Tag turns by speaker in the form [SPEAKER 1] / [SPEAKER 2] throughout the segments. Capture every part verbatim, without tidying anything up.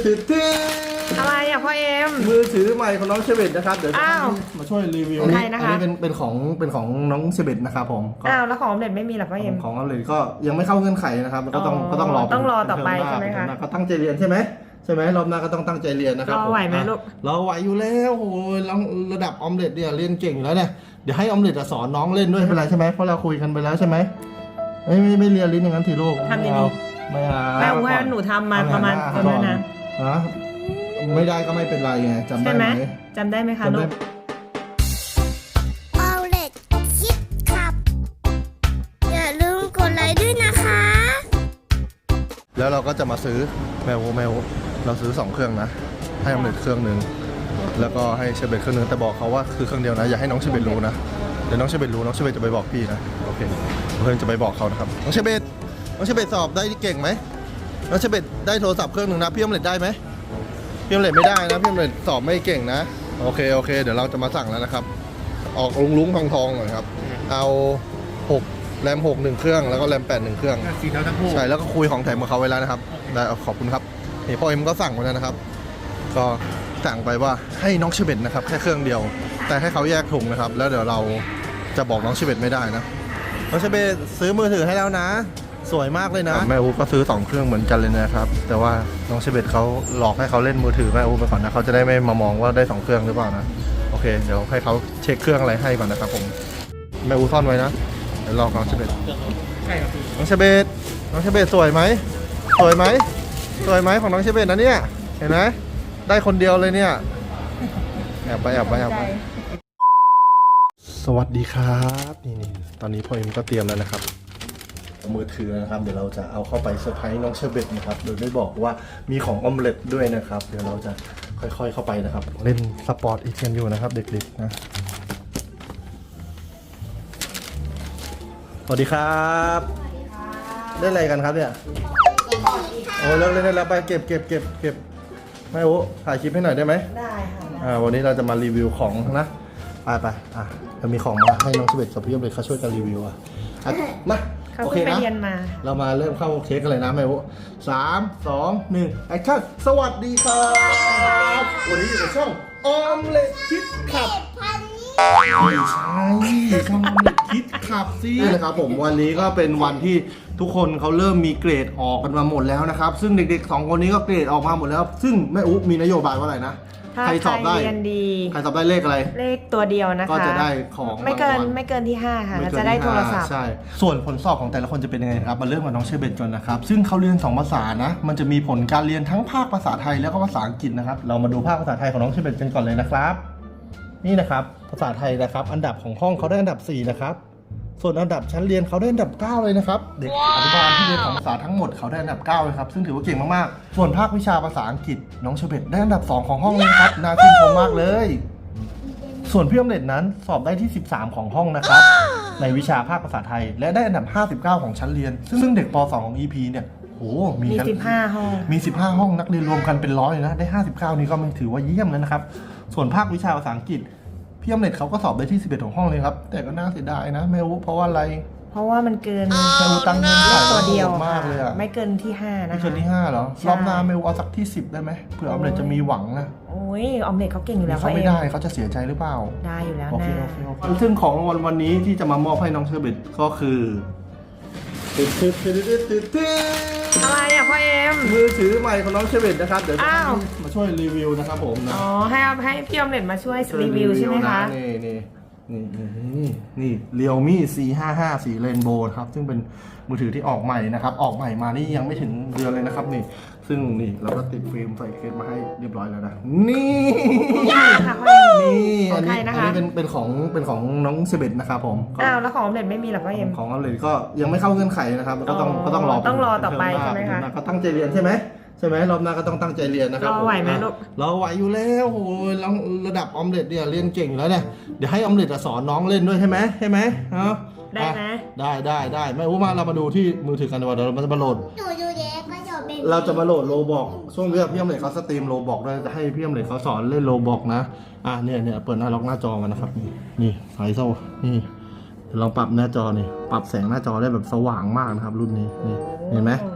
[SPEAKER 1] ติดที่
[SPEAKER 2] อะไรอ่ะพ่อเอ็ม
[SPEAKER 1] มือถือใหม่ของน้องเชเบตนะครับเดี๋ยวจะมาช่วยรีวิวอันนี้อันนี้เป็นเป็นของเป็นของน้องเชเบตนะครับผม
[SPEAKER 2] อ้าวแล้วของออมเล็ตไม่มีหรอพ่อเอ็ม
[SPEAKER 1] ของออมเล็ตก็ยังไม่เข้าเงื่อนไขนะครับก็ต้องก็ต้องรอ
[SPEAKER 2] ต้องรอต่อไปใช่ไหมคะ
[SPEAKER 1] ก็ตั้งใจเรียนใช่ไหมใช่ไหมรอบหน้าก็ต้องตั้งใจเรียนนะครับ
[SPEAKER 2] รอไหวไหมลูก
[SPEAKER 1] รอไหวอยู่แล้วโอ้ยระดับออมเล็ตเนี่ยเรียนเก่งอยู่แล้วเนี่ยเดี๋ยวให้ออมเล็ตสอนน้องเล่นด้วยเป็นไรใช่ไหมเพราะเราคุยกันไปแล้วใช่ไหมไม่ไม่ไม่เรียนลิ้นอย่างนั้นทีลูก
[SPEAKER 2] ทำดี
[SPEAKER 1] ๆไม่เอา
[SPEAKER 2] แม่ว่าหนูทำมาประมาณประมาณนั้น
[SPEAKER 1] นะไม่ได้ก็ไม่เป็นไรไงจำได้ไหม
[SPEAKER 2] จำได้ไหมคะลูก
[SPEAKER 3] เอาเล็กคิดครับอย่าลืมกดไลค์ด้วยนะคะ
[SPEAKER 1] แล้วเราก็จะมาซื้อแมวแมวเราซื้อสองเครื่องนะให้ออมเล็ตเครื่องหนึ่งแล้วก็ให้เชเบตเครื่องนึงแต่บอกเขาว่าคือเครื่องเดียวนะอย่าให้น้องเชเบตรู้นะเดี๋ยวน้องเชเบตรู้น้องเชเบตจะไปบอกพี่นะโอเคเพื่อนจะไปบอกเขานะครับน้องเชเบตน้องเชเบตสอบได้เก่งไหมน้องเชเบตได้โทรศัพท์เครื่องหนึ่งนะพี่ออมเล็ตได้ไหมพี่ออมเล็ตไม่ได้นะพี่ออมเล็ตสอบไม่เก่งนะโอเคโอเคเดี๋ยวเราจะมาสั่งแล้วนะครับออกลุงลุงทองทองหน่อยครับเอาหกแรมหกหนึ่งเครื่องแล้วก็แรมแปดหนึ่งเครื่อง
[SPEAKER 4] สีเทาทั้งคู่
[SPEAKER 1] ใช่แล้วก็คุยของแถมกับเขาไว้แล้วนะครับได้ขอบคุณครับนี่พ่อเอ็มก็สั่งไว้แล้วนะครับก็สั่งไปว่าให้น้องเชเบตนะครับแค่เครื่องเดียวแต่ให้เขาแยกถุงนะครับแล้วเดี๋ยวเราจะบอกน้องเชเบตไม่ได้นะน้องเชเบตซื้อมือถือให้แล้วนะสวยมากเลยนะแม่อูก็ซื้อสองเครื่องเหมือนกันเลยนะครับแต่ว่าน้องเชเบตเขาหลอกให้เขาเล่นมือถือแม่อูไปก่อนนะเขาจะได้ไม่มามองว่าได้สองเครื่องหรือเปล่านะโอเคเดี๋ยวให้เขาเช็คเครื่องอะไรให้ก่อนนะครับผมแม่อูซ่อนไว้นะเดี๋ยวรอน้องเชเบต
[SPEAKER 4] ใช่ครับพี่
[SPEAKER 1] น้องเชเบตน้องเชเบตสวยไหมสวยไหมสวยไหมของน้องเชเบตนะเนี่ยเห็นไหมได้คนเดียวเลยเนี่ยแอบไปแอบไปแอบไปสวัสดีครับนี่นี่ตอนนี้พ่อเอ็มก็เตรียมแล้วนะครับมือถือนะครับเดี๋ยวเราจะเอาเข้าไปเซอร์ไพรส์น้องเชเบตนะครับโดยไม่บอกว่ามีของออมเล็ตด้วยนะครับเดี๋ยวเราจะค่อยๆเข้าไปนะครับเล่นสปอร์ตอีเทียนอยู่นะครับเด็กๆนะสวัสดีครับเล่นอะไรกันครับเนี่ยโอ้เลิกเล่นได้แล้วไปเก็บเก็บเก็บเก็บแม่โอ้ถ่ายคลิปให้หน่อยได้ไหม
[SPEAKER 2] ได้ค่ะ
[SPEAKER 1] อ่าวันนี้เราจะมารีวิวของนะไปไปอ่ะเรามีของมาให้น้องเชเบตกับพี่ออมเล็ตเขาช่วยกันรีวิวอ่ะมาโอเคนะเรามาเริ่มเข้าเช็คกันเลยนะแม่โอ้สามสองหนึ่งแอคชั่นสวัสดีครับวันนี้อยู่ในช่องออมเล็ตคิดขับไม่ใช่ช่องออมเล็ตคิดขับสินะครับผมวันนี้ก็เป็นวันที่ทุกคนเขาเริ่มมีเกรดออกกันมาหมดแล้วนะครับซึ่งเด็กๆสองคนนี้ก็เกรดออกมาหมดแล้วซึ่งแม่อุ๊มีนโยบายว่าอะไรนะใครสอบได้ใครสอบได้เลขอะไร
[SPEAKER 2] เลขตัวเดียวนะคะ
[SPEAKER 1] ก็จะได้ของ
[SPEAKER 2] ไม่เกินไม่เกินที่ห้าค่ะจะได้โทรศัพท์
[SPEAKER 1] ใช่ส่วนผลสอบของแต่ละคนจะเป็นยังไงครับมาเริ่มกับน้องเชเบตก่อนนะครับซึ่งเขาเรียนสองภาษานะมันจะมีผลการเรียนทั้งภาคภาษาไทยแล้วก็ภาษาอังกฤษนะครับเรามาดูภาคภาษาไทยของน้องเชเบตกันก่อนเลยนะครับนี่นะครับภาษาไทยนะครับอันดับของห้องเขาได้อันดับสี่นะครับส่วนอันดับชั้นเรียนเขาได้อันดับเก้าเลยนะครับเด็กอนุบาลที่เรียนของภาษาทั้งหมดเขาได้อันดับเก้าเลยครับซึ่งถือว่าเก่งมากๆส่วนภาควิชาภาษาอังกฤษน้องเชเบตได้อันดับสองของห้องเลยครับน่าชื่นชมมากเลยส่วนพี่ออมเล็ตนั้นสอบได้ที่สิบสามของห้องนะครับในวิชาภาคภาษาไทยและได้อันดับห้าสิบเก้าของชั้นเรียนซึ่งเด็กป สอง ของ อี พี เนี่ยโห
[SPEAKER 2] มีสิบห้าห้อง
[SPEAKER 1] มีสิบห้าห้องนักเรียนรวมกันเป็นร้อยนะได้ห้าสิบเก้านี่ก็ถือว่าเยี่ยมแล้วนะครับส่วนภาควิชาภาษาอังกฤษพี่ออมเล็ตเขาก็สอบได้ที่สิบเอ็ดของห้องเลยครับแต่ก็น่าเสียดายนะไม่รู้เพราะว่าอะไร
[SPEAKER 2] เพราะว่ามันเกิน
[SPEAKER 1] ไม่รู้ตั้งเงินจ่าย
[SPEAKER 2] ตัวเดียว
[SPEAKER 1] มากเลยอะ
[SPEAKER 2] ไม่เกินที่ห้านะคะ
[SPEAKER 1] ไม่เกินที่ห้าเหรอรอบหน้าไม่รู้เอาสักที่สิบได้ไหมเผื่อออมเล็ตจะมีหวังนะ
[SPEAKER 2] โอ้ยออมเล็ตเขาเก่งอยู่แล้ว
[SPEAKER 1] เขาไม่ได้เขาจะเสียใจหรือเปล่า
[SPEAKER 2] ได้อยู่แล้วนะ
[SPEAKER 1] โอเคโอเคโอเคซึ่งของรางวัลวันนี้ที่จะมามอบให้น้องเชเบตก็คือติดติดติดติดติดติด
[SPEAKER 2] อะไรอ่ะพ่อเอ็ม
[SPEAKER 1] มือถือใหม่ของน้องเชเบตนะครับเดี๋ยวมาช่วยรีวิวนะครับผมนะ
[SPEAKER 2] อ๋อให้ให้พี่ออมเล็ตมาช่วยรีวิวใช่ไหมคะ
[SPEAKER 1] นี่นี่นี่นี่นี่เรียวมี่ ซี ห้าห้า สีเรนโบว์ครับซึ่งเป็นมือถือที่ออกใหม่นะครับออกใหม่มานี่ยังไม่ถึงเดือนเลยนะครับนี่ซึ่งนี่เราก็ติดฟิล์มใส่เคสมาให้เรียบร้อยแล้วนะนี่นี่อันนี้อันนี้เป็นเป็นของเป็นของน้องเชเบตนะครับผม
[SPEAKER 2] อ้าวแล้วของออมเล็ตไม่มีหรอพ่อเอ็ม
[SPEAKER 1] ของออมเล็ตก็ยังไม่เข้าเงื่อนไขนะครับก็ต้องก็ต้องรอ
[SPEAKER 2] ต้องรอต่อไปใช่ไหมคะ
[SPEAKER 1] ก็ตั้งใจเรียนใช่ไหมใช่ไหมรอบหน้าก็ต้องตั้งใจเรียนนะครับ
[SPEAKER 2] รอไหวไหมลูก
[SPEAKER 1] รอไหวอยู่แล้วโอ้ยระดับออมเล็ตเนี่ยเรียนเก่งอยู่แล้วเนี่ยเดี๋ยวให้ออมเล็ตสอนน้องเล่นด้วยใช่ไหมใช่ไหมครับ
[SPEAKER 2] ได้ไหม
[SPEAKER 1] ได้ได้ได้ไม่รู้มาเรามาดูที่มือถือกันดีกว่าเดี๋ยวเราจะมาโหลดเราจะมาโหลดโลบอกช่วงนี้พี่ออมเล็ตเขาสตรีมโลบอกด้วยจะให้พี่ออมเล็ตเขาสอนเล่นโลบอกนะอ่ะเนี่ยเนี่ยเปิดหน้าล็อกหน้าจอมานะครับนี่นี่ไฟโซ่นี่ลองปรับหน้าจอนี่ปรับแสงหน้าจอได้แบบสว่างมากนะครับรุ่นนี้นี่เห็นไหม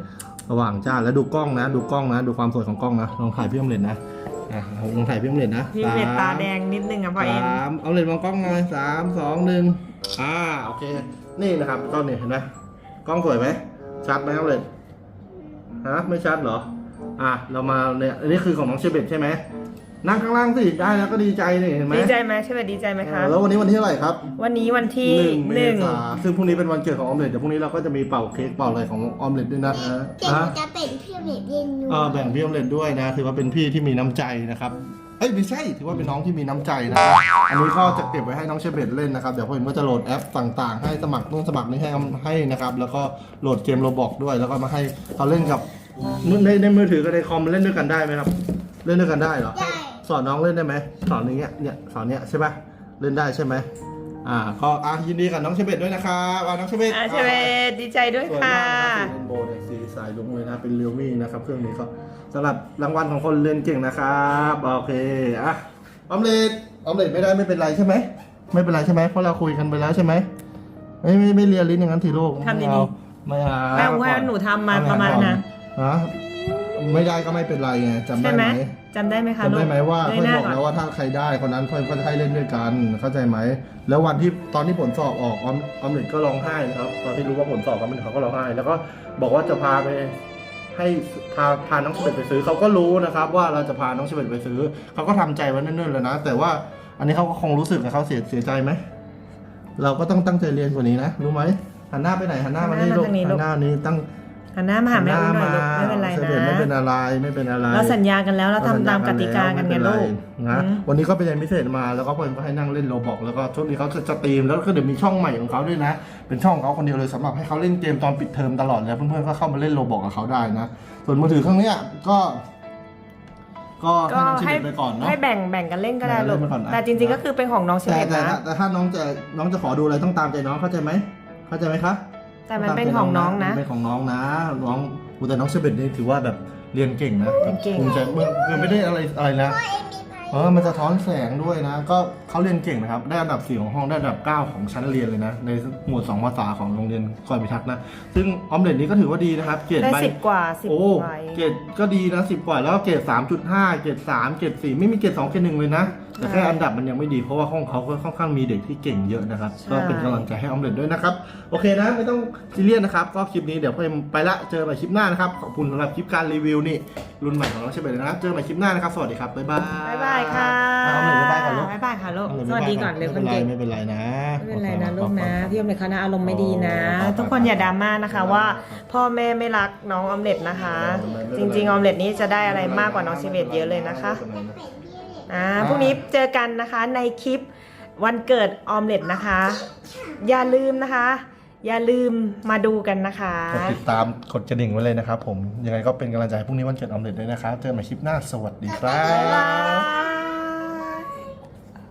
[SPEAKER 1] ระหว่างจ้าแล้วดูกล้องนะ ดูกล้องนะ ดูความสวยของกล้องนะลองถ่ายพี่ออมเล็ตนะอ่ะลองถ่ายพี่ออมเล็ตนะ
[SPEAKER 2] พี่ออมเล็ตตาแดงนิดนึงอ่ะพ่อเอ็ม
[SPEAKER 1] สามออมเล็ตมองกล้องหน่อยสามสองหนึ่งอ่าโอเคนี่นะครับกล้องนี่เห็นไหมกล้องสวยไหมชัดไหมออมเล็ตฮะไม่ชัดเหรออ่ะเรามาเนี่ยอันนี้คือของน้องเชเบตใช่ไหมนั่งข้างล่างสิได้แล้วก็ดีใจนี่เห็นไหม
[SPEAKER 2] ดีใจไหมใช่ไหมดีใจไหมคะ
[SPEAKER 1] เออแล้ววันนี้วันที่เท่าไหร่ครับ
[SPEAKER 2] วันนี้วันที่
[SPEAKER 1] หนึ่งเม
[SPEAKER 2] หนึ่ง
[SPEAKER 1] ษาซึ่งพรุ่งนี้เป็นวันเกิดของออมเล็ตเดี๋ยวพรุ่งนี้เราก็จะมีเป่าเค้กเป่าอะไรของออมเล็ตด้วยนะ
[SPEAKER 3] เดี๋ยวห
[SPEAKER 1] ฮะ
[SPEAKER 3] นูจะเป็นพี่เล็กเรียนอยู่
[SPEAKER 1] เออแบ่งพี่ออมเล็ตด้วยนะถือว่าเป็นพี่ที่มีน้ำใจนะครับเอ้ยไม่ใช่ถือว่าเป็นน้องที่มีน้ำใจนะอันนี้ก็จะเก็บไว้ให้น้องเชเบตเล่นนะครับเดี๋ยวผมก็จะโหลดแอปต่างๆ ให้สมัครนู่นสมัครนี่ให้ให้นะครับแล้วก็โหลดเกมโรบอกด้วยแล้วก็มาให้เขาเล่นกับในในมือถือกับในคอมเล่นด้วยกันได้ไหมครับ เล่นด้วยกันได้เหรอ
[SPEAKER 3] ได้
[SPEAKER 1] สอนน้องเล่นได้ไหมสอนอย่างเงี้ยเนี่ยสอนเนี้ยใช่ปะเล่นได้ใช่ไหมอ่าก็อ่ะยินดีกับน้องเชเบตด้วยนะครับอ่ะน้องเชเบต
[SPEAKER 2] อ่าใช่ไหมดีใจด้วย
[SPEAKER 1] สวย
[SPEAKER 2] ค่ะ
[SPEAKER 1] มากนะสีเรนโบว์เนี่ยสีสายลุงเลยนะเป็นเรียวมี่นะครับเครื่องนี้ก็สำหรับรางวัลของคนเรียนเก่งนะครับโอเคอ่ะออมเล็ตออมเล็ตไม่ได้ไม่เป็นไรใช่ไหมไม่เป็นไรใช่ไหมเพราะเราคุยกันไปแล้วใช่ไหมไม่ไม่ไม่เรียนลิ้นอย่างนั้นทีลูก
[SPEAKER 2] ทำดีๆ
[SPEAKER 1] ไม่เอาไม่เอา
[SPEAKER 2] แม่ว่าหนูทำมาประมาณนะ
[SPEAKER 1] ฮะไม่ได้ก็ไม่เป็นไรไงจำได้
[SPEAKER 2] ใช่ไห
[SPEAKER 1] ไห
[SPEAKER 2] ม
[SPEAKER 1] ม
[SPEAKER 2] จำได้ไหมคะ
[SPEAKER 1] จำได้ไหมว่า
[SPEAKER 2] ลู
[SPEAKER 1] เพื่อน
[SPEAKER 2] หน้
[SPEAKER 1] บอก
[SPEAKER 2] ก่
[SPEAKER 1] แล้วว่าถ้าใครได้คนนั้นเพื่อนก็จะให้เล่นด้วยกันเข้าใจไหมแล้ววันที่ตอนที่ผลสอบออกออมออมเล็ตก็ร้องไห้นะครับตอนที่รู้ว่าผลสอบออมเล็ตเขาก็ร้องไห้แล้วก็บอกว่าจะพาไปให้พาพาน้องเฉลิมไปซื้อเขาก็รู้นะครับว่าเราจะพาน้องเฉลิมไปซื้อเขาก็ทำใจไว้เนิ่นๆแล้วนะแต่ว่าอันนี้เขาก็คงรู้สึกนะเขาเสียเสียใจไหมเราก็ต้องตั้งใจเรียนกว่านี้นะรู้ไหมหันหน้าไปไหนหันหน้ามานี่ลูกหันหน้านี้ตั้ง
[SPEAKER 2] หันหน้ามาหาแม่อุ้มหน่อยลูกไม่เป็นไร
[SPEAKER 1] เฉ
[SPEAKER 2] นะ
[SPEAKER 1] ลิมไม่เป็นอะไรไม่เป็นอะไร
[SPEAKER 2] เราสัญญากันแล้วเราทำตามกติกากันไงลูก
[SPEAKER 1] นะ
[SPEAKER 2] อืม
[SPEAKER 1] วันนี้ก็ไปเรียนพิเศษมาแล้วก็เพื่อนก็ให้นั่งเล่นโรบอกแล้วก็ช่วงนี้เขาจะสตรีมแล้วก็เดี๋ยวมีช่องใหม่ของเขาด้วยนะ เป็นช่องของเขาคนเดียวเลยสำหรับให้เขาเล่นเกมตอนปิดเทอมตลอดแล้วเพื่อนๆก็เข้ามาเล่นโรบอกกับเขาได้นะส่วนมือถือเครื่องเนี้ยก็ ก็
[SPEAKER 2] ก็
[SPEAKER 1] ให้น้องชิ
[SPEAKER 2] ให้
[SPEAKER 1] เบตไปก่อนเนาะ
[SPEAKER 2] ให้แบ่งแบ่งกันเล่นก็ได้ลูก
[SPEAKER 1] แบ่งกันเล่นไปก่อนนะ
[SPEAKER 2] แต่จริงๆก็คือเป็นของน้องเช
[SPEAKER 1] แต่
[SPEAKER 2] เบต
[SPEAKER 1] แต่
[SPEAKER 2] นะ
[SPEAKER 1] แต่ถ้าน้องจะน้องจะขอดูอะไรต้องตามใจน้องเข้าใจไหมเข้าใจไหมคะ
[SPEAKER 2] แต่มันเป็นของน้องนะ
[SPEAKER 1] เป็นของน้องนะน้องอูแต่น้องเชเบตนี่ถือว่าแบบเรียนเก่งนะ
[SPEAKER 2] เรียนเก่ง
[SPEAKER 1] ภูมิใจเมื่อคือไม่ได้อะไรอะไรนะ
[SPEAKER 3] พ่อเอ็มมีพาย
[SPEAKER 1] เออมันจะท้อนแสงด้วยนะ ก็เขาเรียนเก่งนะครับ ได้อันดับสี่ของห้องได้อันดับเก้าของชั้นเรียนเลยนะ ในหมวดสองภาษาของโรงเรียนกรพิทักษ์นะ ซึ่งออมเล็ตนี้ก็ถือว่าดีนะครับ เกรด
[SPEAKER 2] ได้
[SPEAKER 1] ใบ
[SPEAKER 2] สิบกว่าสิบ
[SPEAKER 1] โอ้
[SPEAKER 2] ใบ
[SPEAKER 1] เกรดก็ดีนะสิบกว่า แล้วก็เกรดสามจุดห้าเกรดสามเกรดสี่ไม่มีเกรดสองเกรดหนึ่งเลยนะ แต่แค่อันดับมันยังไม่ดี เพราะว่าห้องเขาก็ค่อนข้างมีเด็กที่เก่งเยอะนะครับ ก็เป็นกำลังใจให้ออมเล็ตด้วยนะครับ โอเคนะ ไม่ต้องซีเรียสนะครับ ก็คลิปนี้เดี๋ยวพ่อเอ็มไปละ เจอกันใหม่คลิปหน้านะครับ ขอบคุณสำหรับคลิปการรีวิวนี่รุ่นใหม่ของน้องเชเบตนะครับ เจอกันใหม่คลิปหน้านะครับ สวัสดีครับ บ๊ายบาย
[SPEAKER 2] บ๊ายบายค่ะ
[SPEAKER 1] เอาออมเล็ตบ๊ายบายก่อนลูก
[SPEAKER 2] บ๊ายบายค่ะลูก
[SPEAKER 1] เอาเลย
[SPEAKER 2] สวัสดีก่อนเร็วคนเก่ง
[SPEAKER 1] ไม่เป็นไรนะ
[SPEAKER 2] ไม่เป็นไรนะลูกนะพี่ออมเล็ตเขานะอารมณ์ไม่ดีนะ
[SPEAKER 1] อ๋อ
[SPEAKER 2] ทุกคนอย่าดราม่านะคะว่า พ่อแม่ไม่รักน้องออมเล็ตนะคะ จริงๆออมเล็ตนี้จะได้อะไรมากกว่าน้องเชเบตเยอะเลยนะคะอ่าพรุ่งนี้เจอกันนะคะในคลิปวันเกิดออมเล็ตนะคะ อย่าลืมนะคะ อย่าลืมมาดูกันนะคะ
[SPEAKER 1] กดติดตามกดกระดิ่งไว้เลยนะครับผม ยังไงก็เป็นกำลังใจให้พรุ่งนี้วันเกิดออมเล็ตด้วยนะครับ เจอกันใหม่คลิปหน้า สวัสดีครั
[SPEAKER 2] บ๊ายบา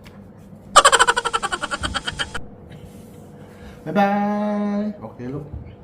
[SPEAKER 1] บ
[SPEAKER 2] ย
[SPEAKER 1] บ๊ายบาย โอเคลูก